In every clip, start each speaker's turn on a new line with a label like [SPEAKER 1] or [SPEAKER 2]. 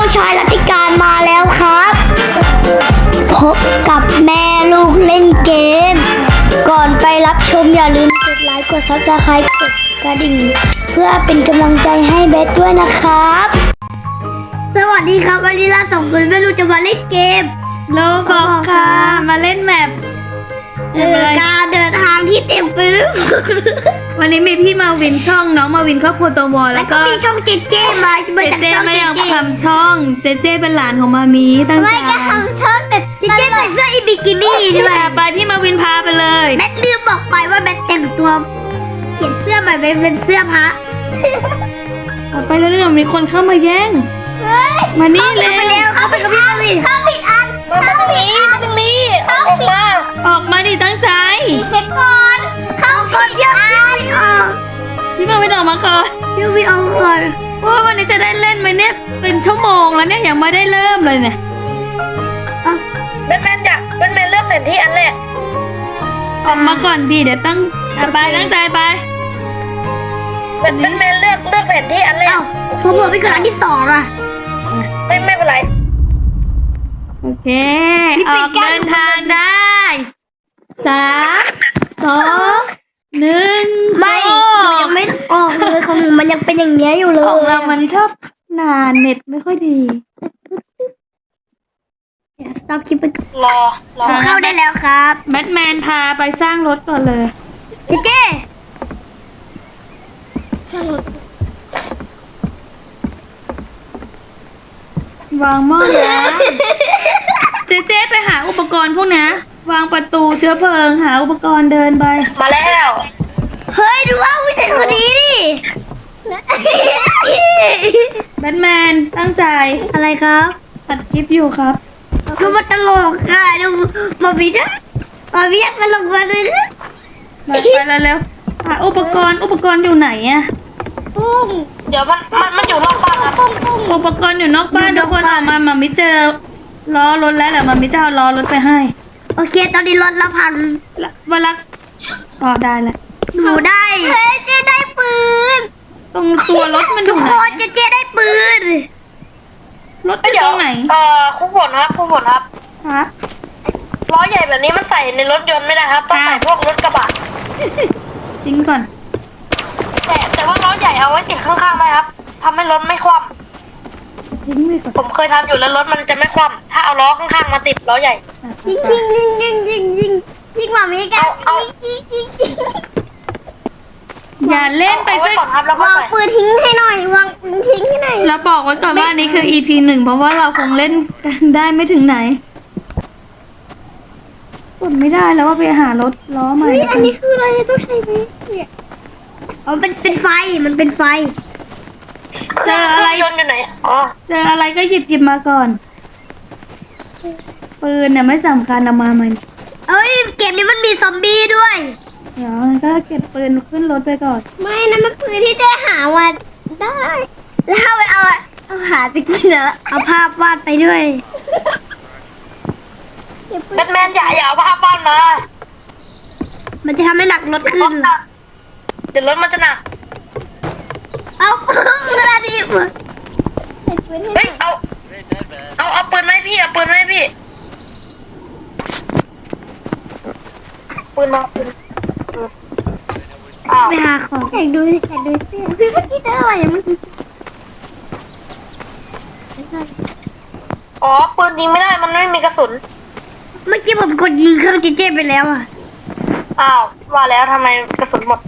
[SPEAKER 1] ชายรัติการมาแล้วครับพบกับแม่ลูกเล่นเกมก่อนไปรับชมอย่าลืมกดไลค์กดซับสไครต์กดกระดิ่งเพื่อเป็นกำลังใจให้เบสด้วยนะครับสวัสดีครับวันนี้เราสองคนแม่ลูกจะมาเล่นเกม
[SPEAKER 2] โลบอกค่ะมาเล่นแมป
[SPEAKER 1] การเดินทางที่เต็มไปด้วย
[SPEAKER 2] วันนี้มีพี่มาวินช่องน้องมาวินครอบครัวตัววอล
[SPEAKER 1] แล้
[SPEAKER 2] แล้ว ว
[SPEAKER 1] ก็
[SPEAKER 2] ก็
[SPEAKER 1] มีช่องเจเจมา
[SPEAKER 2] เจ
[SPEAKER 1] จาก
[SPEAKER 2] เจ
[SPEAKER 1] ช่อง
[SPEAKER 2] ไม่
[SPEAKER 1] เจ
[SPEAKER 2] ยอม
[SPEAKER 1] เจ
[SPEAKER 2] ทำช่องเจเจเป็นหลานของมามีตั้งใจ
[SPEAKER 1] ไม่ก็ทำช่องแต่เจเจใส่เสื้ออีบิกินี่ด้วย
[SPEAKER 2] ไปพี่มาวินพาไปเลย
[SPEAKER 1] แบทลืมบอกไปว่าแบทแต่งตัวเปลี่ยนเสื้อใหม่เป็นเสื้อพระ
[SPEAKER 2] เอาไปแล้วเดี๋ยวมีคนเข้ามาแย่ง
[SPEAKER 1] เฮ้ย
[SPEAKER 2] มานี่เร็ว
[SPEAKER 1] ไปเร็วเข้าไปกับพี่มาวินเข้าผิดอันมาตรงนี้ออกมา
[SPEAKER 2] ออกมาดิตั้งใจ
[SPEAKER 1] รีเซ็ตก่อนเข้าก่อนพี่มาวินออก
[SPEAKER 2] พี่มาวินออกมาก่อน
[SPEAKER 1] พี่มาวินออกก่อน
[SPEAKER 2] ว่าวันนี้จะได้เล่นไหมเนี่ยเป็นชั่วโมงแล้วเนี่ยยังไม่ได้เริ่มเลยเนี่ย
[SPEAKER 3] แบทแมนเลือกแผนที่อันแรก
[SPEAKER 2] ออกมาก่อนดีเดี๋ยวตั้งไปตั้งใจไป
[SPEAKER 3] แบทแมนเลือกแผนที่อันแร
[SPEAKER 1] เอ้าก ผมเผลอไปกดอันที่สองอ่ะ
[SPEAKER 3] ไม่เป็นไร
[SPEAKER 2] โอเค
[SPEAKER 1] นี่
[SPEAKER 2] อ
[SPEAKER 1] เป็น
[SPEAKER 2] อก
[SPEAKER 1] การ
[SPEAKER 2] เดินทางได้3 2 1
[SPEAKER 1] ไม่หนูยังไม่ออกเลยของหนูมันยังเป็นอย่างเงี้ยอยู่เลย
[SPEAKER 2] ของเรามันชอบนานเน็ตไม่ค่อยดี
[SPEAKER 1] สต็อปคลิปไปก่อน
[SPEAKER 3] รอ
[SPEAKER 1] เข้าได้แล้วครับ
[SPEAKER 2] แบทแมนพาไปสร้างรถก่อนเลย
[SPEAKER 1] เจเจ
[SPEAKER 2] วางหม้อน้ำเจ๊ไปหาอุปกรณ์พวกนี้วางประตูเชื้อเพลิงหาอุปกรณ์เดินไป
[SPEAKER 3] มาแล้ว
[SPEAKER 1] เฮ้ยดูว่าผู้ชายคนนี้ดิ
[SPEAKER 2] แบทแมนตั้งใจ
[SPEAKER 1] อะไรครับ
[SPEAKER 2] ตัดคลิปอยู่ครับ
[SPEAKER 1] ดูมันตลกอ่ะดูมาบีจ้ะมาบีอยากตลกมาเลย
[SPEAKER 2] ไปเร็วๆหาอุปกรณ์อยู่ไหนอะ
[SPEAKER 1] ปุ้ง
[SPEAKER 3] เดี๋ยวมันอยู่นอกบ้านครับ
[SPEAKER 1] ปุ้งปุ้ง
[SPEAKER 2] อุปกรณ์อยู่นอกบ้านทุกคนออกมามามิเจอล้อรถแล้วเดี๋ยวมามิจะเอาล้อรถไปให้
[SPEAKER 1] โอเคตอนนี้รถละพัน
[SPEAKER 2] เวลาอ๋อได้แล้ว
[SPEAKER 1] หนูได้เฮ้ยเจได้ปืน
[SPEAKER 2] ตรงตัวรถมันอ
[SPEAKER 1] ทุ
[SPEAKER 2] ยู่
[SPEAKER 1] ก
[SPEAKER 2] ไห
[SPEAKER 1] คน นเจได้ปืน
[SPEAKER 2] รถอยู่
[SPEAKER 3] เดี๋ย
[SPEAKER 2] ต
[SPEAKER 3] ว
[SPEAKER 2] รงไหน
[SPEAKER 3] ครูฝนครับ
[SPEAKER 2] ฮะ
[SPEAKER 3] ล้อใหญ่แบบนี้มันใส่ในรถยนต์ไม่ได้ครับต้องใส่พวกรถกระบะ
[SPEAKER 2] ทิ้งก่อน
[SPEAKER 3] แต่ว่าล้อใหญ่เอาไว้ติดข้างๆได้ครับทำให้รถไม่คว่
[SPEAKER 2] ทิ้งไปก่อน
[SPEAKER 3] ำผมเคยทำอยู่แล้วรถมันจะไม่คว่ำถ้าเอาล้อข้างๆมาติดล้อใหญ่
[SPEAKER 1] ยิงยิงมามีกัน
[SPEAKER 3] เอา
[SPEAKER 1] ยิง
[SPEAKER 2] อย่าเล่นไป
[SPEAKER 3] เอาไว้
[SPEAKER 2] ช่วย
[SPEAKER 3] ก่อนครับแล้วก็
[SPEAKER 1] วาง
[SPEAKER 3] ใส่
[SPEAKER 1] ปืนทิ้งให้หน่อยวางปืนทิ้งให้หน่อย
[SPEAKER 2] เราบอกไว้ก่อนว่าอันนี้คือ EP 1เพราะว่าเราคงเล่นกันได้ไม่ถึงไหนกดไม่ได้แล้วว่าไปหารถล้อใหม่
[SPEAKER 1] เฮ้ยอันนี้คืออะไรต้องใช้ไหมเนี่ยอ๋อเป็นไฟมันเป็นไฟ
[SPEAKER 3] เครื่องยนต์อยู่ไหนอ๋อ
[SPEAKER 2] เจออะไรก็หยิบมาก่อน ปืนเนี่ยไม่สำคัญเอามามัน
[SPEAKER 1] เอ้ยเกมนี้มันมีซอมบี้ด้วย
[SPEAKER 2] เดี๋ยวก็เก็บปืนขึ้นรถไปก่อน
[SPEAKER 1] ไม่นะมันปืนที่จะหามาได้ แล้วเอาไปเอาหาไปกินเหรอเอาภาพวาดไปด้วย
[SPEAKER 3] แบทแมนอย่าเอาภาพบ้านมา
[SPEAKER 1] มันจะทำให้หนักรถขึ้น
[SPEAKER 3] เดี๋ยวรถมันจะหนัก
[SPEAKER 1] เอากระดาษดิบ
[SPEAKER 3] เฮ้ยเอาปืนไหมาให้พี่เอาปืนไหมาให้พี่ปืนมาปืนอ้าว
[SPEAKER 1] ไปหาของอยากดูเสื้อคือเมื่อกี้เจออะไรเมื่อกี้
[SPEAKER 3] อ๋อปืนยิงไม่ได้มันไม่มีกระสุน
[SPEAKER 1] เมื่อกี้ผมกดยิงเครื่องเจเจไปแล้วอ่ะ
[SPEAKER 3] อ้าวว่าแล้วทำไมกระสุนหมด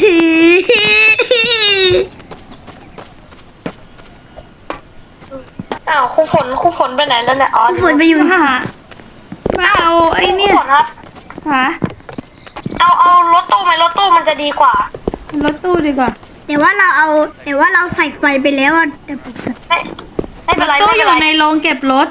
[SPEAKER 3] อ้าวครูฝนไปไหนแล้วเนี่ยอ๋อ
[SPEAKER 1] ฝนไปอยู่
[SPEAKER 2] หามาเอาไอ้เนี่ย
[SPEAKER 3] ครูฝนครับ
[SPEAKER 2] หา
[SPEAKER 3] เอารถตู้ไหมรถตู้มันจะดีกว่า
[SPEAKER 2] รถตู้ดีกว่า
[SPEAKER 1] แต่ว่าเราใส่ไฟไปแล้วอ่ะเดี๋ยวผมใส่
[SPEAKER 3] ไม่เป็นไร
[SPEAKER 2] ตู้
[SPEAKER 3] ไม่
[SPEAKER 2] อ
[SPEAKER 3] เป็น
[SPEAKER 2] ยู่
[SPEAKER 3] ไร
[SPEAKER 2] ในโรงเก็บรถ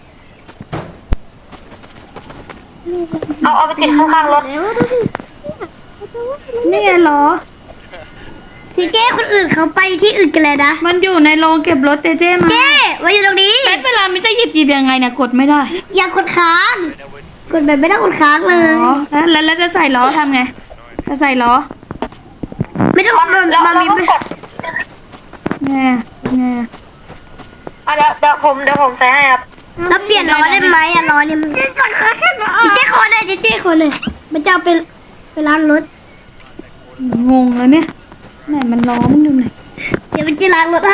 [SPEAKER 3] เอาไปติดข้างๆรถ
[SPEAKER 1] แล้วดูสิ
[SPEAKER 2] นี่ไงล้อ
[SPEAKER 1] พี่เจ้คนอื่นเขาไปที่อื่นกันเลยนะ
[SPEAKER 2] มันอยู่ในโรงเก็บรถเจเจมา
[SPEAKER 1] เจ้มาอยู่ตรงนี้
[SPEAKER 2] แบทเวลามิจะหยิบยังไงเนี่ยกดไม่ได้
[SPEAKER 1] อย่ากดค้าง กดแบบไม่ต้องกดค้างเลย
[SPEAKER 2] อ๋อแล้วจะใส่ล้อทำไงจะใส่ล้อ
[SPEAKER 1] ไม่ต้อง
[SPEAKER 3] แล้ว
[SPEAKER 1] มา
[SPEAKER 3] เรา
[SPEAKER 1] มี
[SPEAKER 3] ต้องกด
[SPEAKER 2] ไงไง
[SPEAKER 3] เดี๋ยวผมใส่ให้ครับ
[SPEAKER 1] แล้วเปลี่ยนล้อได้ไหมอะล้อเนี่ยมันเจ๊ขอหน่อยเจ๊ขอหน่อยมันจะเอาไปล้างรถ
[SPEAKER 2] งงแล้วเนี่ยไหนมันล้อมันอยู่ไหน
[SPEAKER 1] เดี๋ยวมันจะล้างรถให้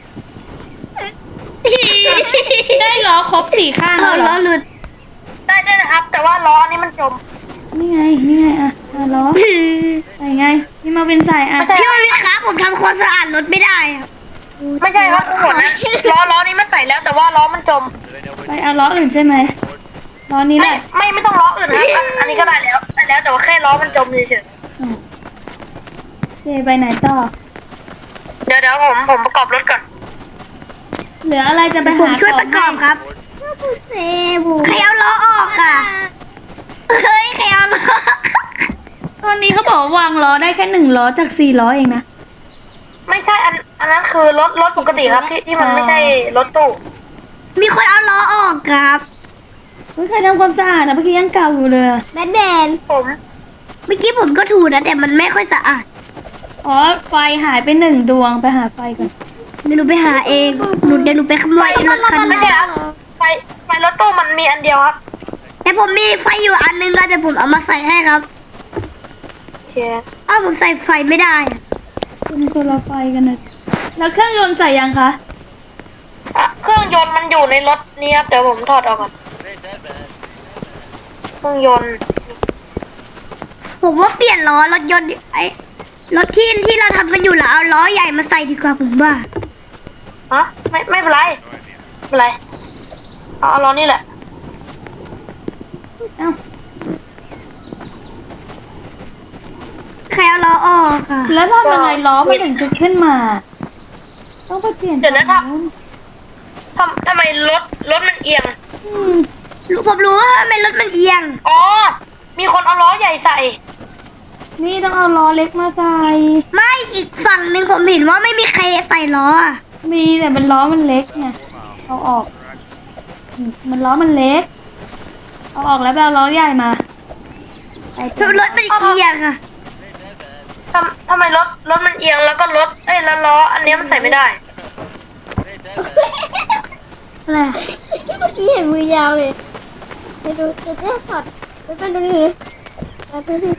[SPEAKER 2] ได้ล้อครบ4ข้าง
[SPEAKER 1] เอา
[SPEAKER 2] แล้วเหร
[SPEAKER 1] ล้อ
[SPEAKER 2] อ
[SPEAKER 1] หลุด
[SPEAKER 3] ได้นะครับ แต่ว่าล้อนี้มันจม
[SPEAKER 2] นี่ไงอ่ะล้อใส่ไงพี่มาวินใส่อ่ะ
[SPEAKER 3] ไม่ใช่
[SPEAKER 1] พี่วันวิทย์ครับผมทำความสะอาดรถไม่ได้ครับ
[SPEAKER 3] ไม่ใช่ครับทุกคนนะล้อนี้มันใส่แล้วแต่ว่าล้อมันจม
[SPEAKER 2] ไปเอาล้ออื่นใช่ไหมล้อนี้แหละ
[SPEAKER 3] ไม่ต้องล้ออื่นนะครับอันนี้ก็ได้แล้วแต่ว่าแค่ล้อมันจมเฉย
[SPEAKER 2] เจไปไหนต่อ
[SPEAKER 3] ๆเดี๋ยวผมประกอบรถก่อน
[SPEAKER 2] เหลืออะไรจะไป
[SPEAKER 1] ผม
[SPEAKER 2] หา
[SPEAKER 1] ช่วยประกอบครับใครเอาล้อออกอ่ะเฮ้ยใครเอาล้อ
[SPEAKER 2] ตอนนี้เขาบอกว่าวางล้อได้แค่1ล้อจาก4ล้อเองนะ
[SPEAKER 3] ไม่ใช่อันนั้นคือรถปกติครับที่มันไม่ใช่รถตู้
[SPEAKER 1] มีคนเอาล้อออกครับ
[SPEAKER 2] เฮ้ยใครทำความสะอาดอ่ะเมื่อกี้ยังเก่าอยู่เลย
[SPEAKER 1] แบทแมน
[SPEAKER 3] ผม
[SPEAKER 1] เมื่อกี้ผมก็ถูนะแต่มันไม่ค่อยสะอาด
[SPEAKER 2] อ๋อไฟหายไป1ดวงไปหาไฟก่อน
[SPEAKER 1] เดี๋ยวหนูไปหาเองเดี๋ยวหนูไปขโมยรถคัน
[SPEAKER 3] ไม่
[SPEAKER 1] นั้น
[SPEAKER 3] ใช่ครับไฟรถตู้มันมีอันเดียวครับ
[SPEAKER 1] แต่ผมมีไฟอยู่อันนึงแล้วเดี๋ยวผมเอามาใส่ให้ครับ
[SPEAKER 3] โอเค
[SPEAKER 1] อ้าวผมใส่ไฟไม่ได้อะ
[SPEAKER 2] เป็นคนละไฟกันนะแล้วเครื่องยนต์ใส่ยังคะ
[SPEAKER 3] เครื่องยนต์มันอยู่ในรถนี้ครับเดี๋ยวผมถอดออกก่อนเครื่องยนต์
[SPEAKER 1] ผมว่าเปลี่ยนล้อรถยนต์ไอ้รถที่เราทำกันอยู่แล้วเอาล้อใหญ่มาใส่ดีกว่าผมว่า
[SPEAKER 3] ฮะไม่เป็นไรไม่เป็นไรเอาล้อนี่แหละ
[SPEAKER 2] เอ้า
[SPEAKER 1] ใครเอาล้อออกค่ะ
[SPEAKER 2] แล้วทำยังไงล้อมันถึงจะขึ้นมา ต้องไปเปลี่ยน
[SPEAKER 3] เดี๋ยวนะ
[SPEAKER 2] ฝั่งนู้น
[SPEAKER 3] ทำไมรถมันเอียง
[SPEAKER 2] อืม
[SPEAKER 1] ผมรู้ว่าทำไมรถมันเอียง
[SPEAKER 3] อ๋อมีคนเอาล้อใหญ่ใส่
[SPEAKER 2] นี่ต้องเอาล้อเล็กมาใส่
[SPEAKER 1] ไม่อีกฝั่งหนึ่งผมเห็นว่าไม่มีใครใส่ล้ออะ
[SPEAKER 2] มีแต่มันล้อมันเล็กไงเอาออกมันล้อมันเล็กเอาออกแล้วไปเอาล้อใหญ่มาไป
[SPEAKER 1] รถมันเอียงค่ะ
[SPEAKER 3] ทำไมรถมันเอียงแล้วก็แล้วล้ออันเนี้ยมันใส่ไม่ได้
[SPEAKER 1] อะไรอะ
[SPEAKER 4] เมื่อกี้เห็นมือยาวเลยไปดูเจ๊ถอดไปดูนี่ไปดูนี่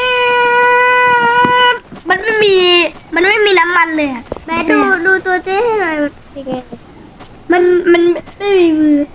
[SPEAKER 1] มันไม่มีน้ำมันเลยอะ
[SPEAKER 4] แม่ดูตัวเจ๊ให้หน่อยเป็นไง
[SPEAKER 1] มันไม่มีมือ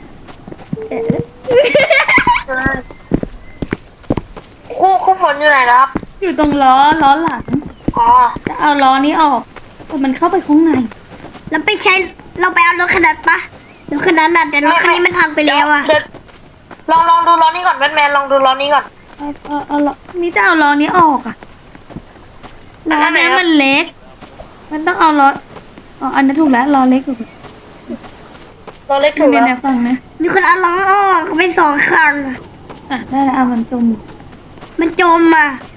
[SPEAKER 3] คู่ฝนอยู่ไหนแล้วครับ
[SPEAKER 2] อยู่ตรงล้อหลัง
[SPEAKER 3] อ๋อ
[SPEAKER 2] จะเอาล้อนี้ออกแต่มันเข้าไปข้างใน
[SPEAKER 1] เราไปเอารถคันนั้นปะรถคันนั้นน่ะแต่รถคันนี้มันพังไปแล้วอะ
[SPEAKER 3] เดี๋ยวลองดูล้อนี้ก่อนแบทแมนลองดูล้อนี้ก่อน
[SPEAKER 2] เอาล้อนี่จะเอาล้อนี้ออกอ่ะล้อ
[SPEAKER 3] อันไหน
[SPEAKER 2] เนี้ย
[SPEAKER 3] ครับ
[SPEAKER 2] มันเล็ก มันต้องเอาล้ออ๋ออันนี้ถูกแล้วล้อเล็กถูก
[SPEAKER 3] ล้อเล็กถูก
[SPEAKER 2] เนี่
[SPEAKER 3] แล้
[SPEAKER 2] ยว ฟังนะ
[SPEAKER 1] มีคนเอาล้อออกไปสองครั้งอะ
[SPEAKER 2] อ่ะได้แล้วเอามันจม
[SPEAKER 1] มันจมอะ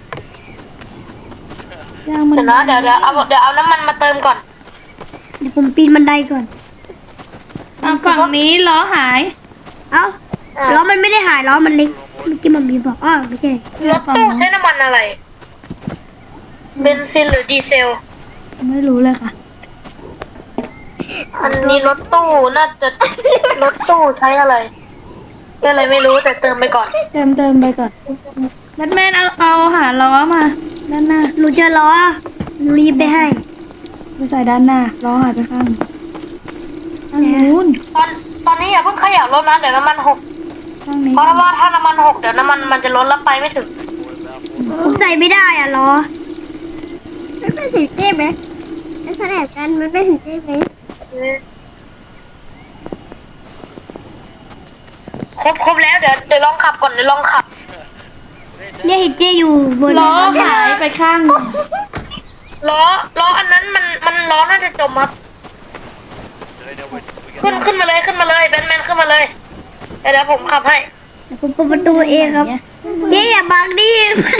[SPEAKER 2] ย่างมัน
[SPEAKER 3] เดี๋ยวนะเดี๋ยวเอาน้ำมันมาเติมก่อน
[SPEAKER 1] เดี๋ยวผมปีนบันไดก่อน
[SPEAKER 2] เอาฝั่งนี้ล้อหาย
[SPEAKER 1] เอ้าล้อมันไม่ได้หายล้อมันเล็กเมื่อกี้มันมีบอกอ้อไม่ใช่
[SPEAKER 3] รถตู้ใช้น้ำมันอะไร เบนซินหรือดีเซล
[SPEAKER 2] ไม่รู้เลยค่ะ
[SPEAKER 3] อันนี้รถตู้น่าจะรถตู้ใช้อะไรใช้อะไรไม่รู้แต่เติมไปก่อน
[SPEAKER 2] เติมไปก่อนแบทแมนเอาหาล้อมาด้านหน้า
[SPEAKER 1] หนูเจอล้อหนูรีบไปให้
[SPEAKER 2] ไปใส่ด้านหน้าล้อหายไปข้างนู้น
[SPEAKER 3] ตอนนี้อย่าเพิ่งเขย่ารถนะเดี๋ยวน้ำมันหก
[SPEAKER 2] ข้างนี้
[SPEAKER 3] เพราะว่าถ้าน้ำมันหกเดี๋ยวน้ำมันจะล้นแล้วไปไม่ถึง
[SPEAKER 1] ผมใส่ไม่ได้อะล้อ
[SPEAKER 4] มันไม่ถึงเจ๊ไหมมันขนาดกันมันไม่ถึงเจ๊ไหม
[SPEAKER 3] ครบแล้วเดี๋ยวลองขับก่อนเดี๋ยวลองขับ
[SPEAKER 1] เนี่ยเห็นเจอยู่บน
[SPEAKER 2] ล้อหายไปข้างหนึ่ง
[SPEAKER 3] ล้ออันนั้นมันล้อน่าจะจมครับขึ้นมาเลยแบทแมนขึ้นมาเลยเดี๋ยวผมขับให้
[SPEAKER 1] ผมเปิดประตูเองครับเจ๊อย่าบังดิ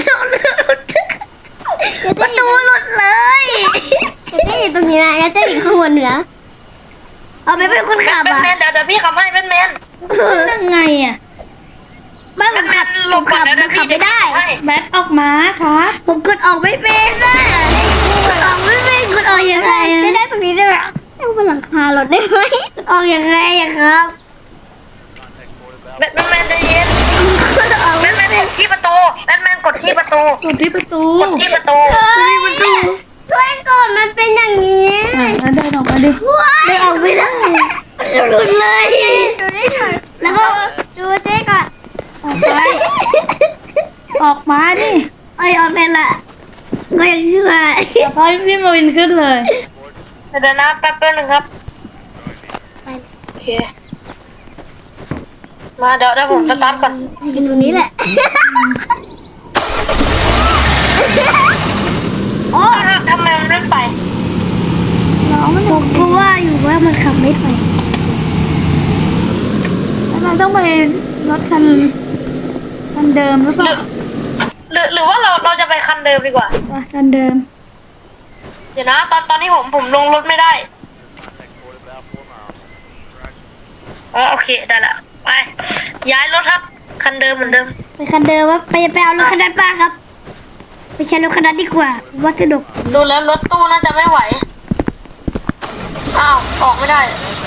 [SPEAKER 1] ประตูหลุดเลย
[SPEAKER 4] เจ๊อยู่ตรงนี้นะแล้วเจ๊อยู่ข้างบนเหนือ
[SPEAKER 1] เอาไปเป็นคนขับ
[SPEAKER 3] แบท
[SPEAKER 1] อ่ะ
[SPEAKER 3] แมนเดี๋ยวพี่ขับให้แบทแมน
[SPEAKER 2] ยังไงอ่ะ
[SPEAKER 1] ไม่ผมขับ
[SPEAKER 3] หล
[SPEAKER 1] ผ
[SPEAKER 3] บ
[SPEAKER 1] ม
[SPEAKER 3] ก่อ
[SPEAKER 1] ขั
[SPEAKER 3] น
[SPEAKER 1] บ
[SPEAKER 3] เดี๋ยว
[SPEAKER 1] ผมขับไม่ได้
[SPEAKER 2] แบทออกมาครับ
[SPEAKER 1] ผมกดออกไม่เป็นอ่ะกดออกไม่เป็นกดออกยังไง
[SPEAKER 4] จะ
[SPEAKER 1] อะ
[SPEAKER 4] ได้ตรงนี้ได้ไหมให้บนหลังคารถได้ไหม
[SPEAKER 1] มันออกยังไงอะครับ
[SPEAKER 3] แบทแมนใจเย็น
[SPEAKER 1] มันออก
[SPEAKER 3] แบทแมนกดที่ประตูแบทแมนกดที่ประตู
[SPEAKER 2] กดที่ประตู
[SPEAKER 3] กดที่ประตู
[SPEAKER 4] ช่วยก่อนมันเป็นอย่างนี้
[SPEAKER 2] แล้วเดินออกมาดิ
[SPEAKER 1] ได้ออกไม่ได้หลุดเลย
[SPEAKER 4] ดูนี่หน่อย
[SPEAKER 1] แล้วก็
[SPEAKER 4] ดูเจ๊ก่อน
[SPEAKER 2] ออกไปออกมาดิ
[SPEAKER 1] เอ้ยออกได้ละก็ยังช่วย
[SPEAKER 2] พอพี่มาวินขึ้นเลย
[SPEAKER 3] เดี๋ยวนะแป๊บนึงครับโอเคมาเดี๋ยวผมสตาร์ทก่อน
[SPEAKER 4] อยู่ตรงนี้แหละ
[SPEAKER 1] โอ้
[SPEAKER 3] ทำไมมันไม่ไป
[SPEAKER 1] ผมก็ว่าอยู่ว่ามันขับไม่ไป
[SPEAKER 2] แล้วเราต้องไปรถคันเดิมหรือเปล่า
[SPEAKER 3] หรือว่าเราจะไปคันเดิมดีกว่า
[SPEAKER 2] ไปคันเดิม
[SPEAKER 3] เดี๋ยวนะตอนนี้ผมลงรถไม่ได้โอเคได้ละไปย้ายรถครับคันเดิมเหมือนเดิม
[SPEAKER 1] ไปคันเดิมว่าไปเอารถคันนั้นป้าครับไปใช้รถคันนั้นดีกว่าว่าสนุก
[SPEAKER 3] ดูแล้วรถตู้น่าจะไม่ไหวอ้าวออกไม่ได้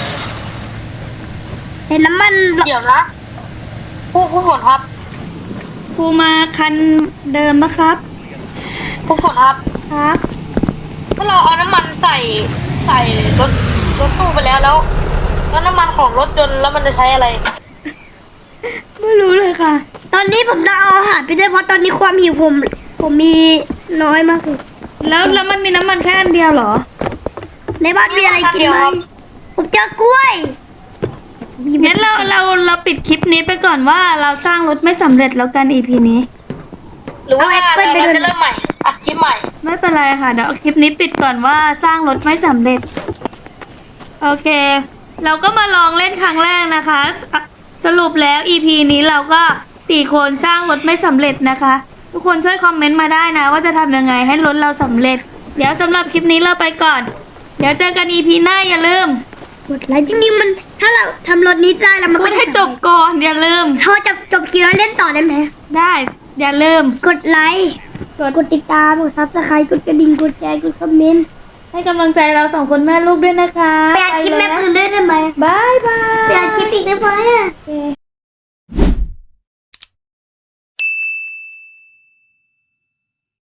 [SPEAKER 1] เห็นน้ำมัน
[SPEAKER 3] เดี๋ยวนะผู้ฝนครับ
[SPEAKER 2] ครูมาคันเดิมนะครับ
[SPEAKER 3] ผู้ฝนครับ
[SPEAKER 2] ครับ
[SPEAKER 3] ถ้าเราเอาน้ำมันใส่รถตู้ไปแล้วน้ำมันของรถยนต์แล้วมันจะใช้อะไร
[SPEAKER 2] ไม่รู้เลยค่ะ
[SPEAKER 1] ตอนนี้ผมต้องเอาอาหารไปด้วยเพราะตอนนี้ความหิวผมมีน้อยมากเลย
[SPEAKER 2] แล้วมันมีน้ำมันแค่อันเดียวเหรอ
[SPEAKER 1] ในบ้านมีอะไรกินไหมผมเจอกล้วย
[SPEAKER 2] งั้นเราปิดคลิปนี้ไปก่อนว่าเราสร้างรถไม่สำเร็จแล้วกัน EP นี้
[SPEAKER 3] หรือว่าเราจะเริ่มใหม่อัดคลิปใหม่
[SPEAKER 2] ไม่เป็นไรค่ะเดี๋ยวเอาคลิปนี้ปิดก่อนว่าสร้างรถไม่สำเร็จ โอเค เราก็มาลองเล่นครั้งแรกนะคะสรุปแล้ว EP นี้เราก็4คนสร้างรถไม่สำเร็จนะคะ ทุกคนช่วยคอมเมนต์มาได้นะว่าจะทำยังไงให้รถเราสำเร็จ เดี๋ยวสำหรับคลิปนี้เราไปก่อน เดี๋ยวเจอกัน EP หน้าอย่าลืม
[SPEAKER 1] กดไลค์จริงๆมันถ้าเราทำรถนี้ได้แล้วมัน
[SPEAKER 2] พู
[SPEAKER 1] ก็
[SPEAKER 2] ดให้จบก่อนอย่าลืม
[SPEAKER 1] เขาจะจบคลิปแล้วเล่นต่อได้ไหม
[SPEAKER 2] ได้อย่าลืม
[SPEAKER 1] กดไลค์กดติดตามกดซับสไครต์กดกระดิ่งกดแชร์กดคอมเมนต์
[SPEAKER 2] ให้กำลังใจเราสองคนแม่ลูกด้วยนะคะ
[SPEAKER 1] ไปอัดคลิปแม่ปืนด้วยได้ไหม
[SPEAKER 2] บายบาย
[SPEAKER 1] ไปอัดคลิปอีกได้ไหมอะ
[SPEAKER 2] โอเค